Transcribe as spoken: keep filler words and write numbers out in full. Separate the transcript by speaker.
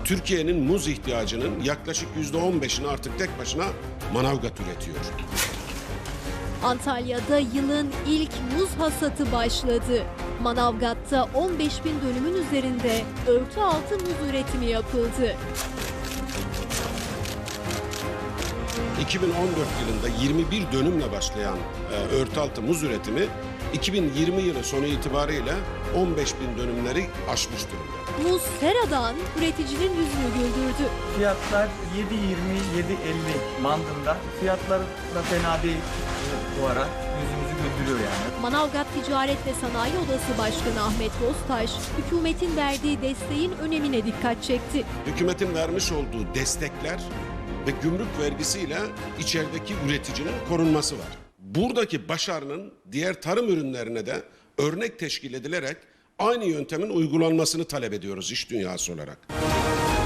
Speaker 1: Türkiye'nin muz ihtiyacının yaklaşık yüzde on beşini artık tek başına Manavgat üretiyor.
Speaker 2: Antalya'da yılın ilk muz hasatı başladı. Manavgat'ta on beş bin dönümün üzerinde örtü altı muz üretimi yapıldı.
Speaker 1: iki bin on dört yılında yirmi bir dönümle başlayan e, örtü altı muz üretimi iki bin yirmi yılı sonu itibariyle on beş bin dönümleri aşmış durumda.
Speaker 2: Muz Sera'dan üreticinin yüzünü güldürdü.
Speaker 3: Fiyatlar yedi yirmi yedi elli bandında. Fiyatlar da fena değil bu ara. Yüzümüzü güldürüyor yani.
Speaker 2: Manavgat Ticaret ve Sanayi Odası Başkanı Ahmet Boztaş, hükümetin verdiği desteğin önemine dikkat çekti.
Speaker 1: Hükümetin vermiş olduğu destekler ve gümrük vergisiyle içerideki üreticinin korunması var. Buradaki başarının diğer tarım ürünlerine de örnek teşkil edilerek aynı yöntemin uygulanmasını talep ediyoruz iş dünyası olarak.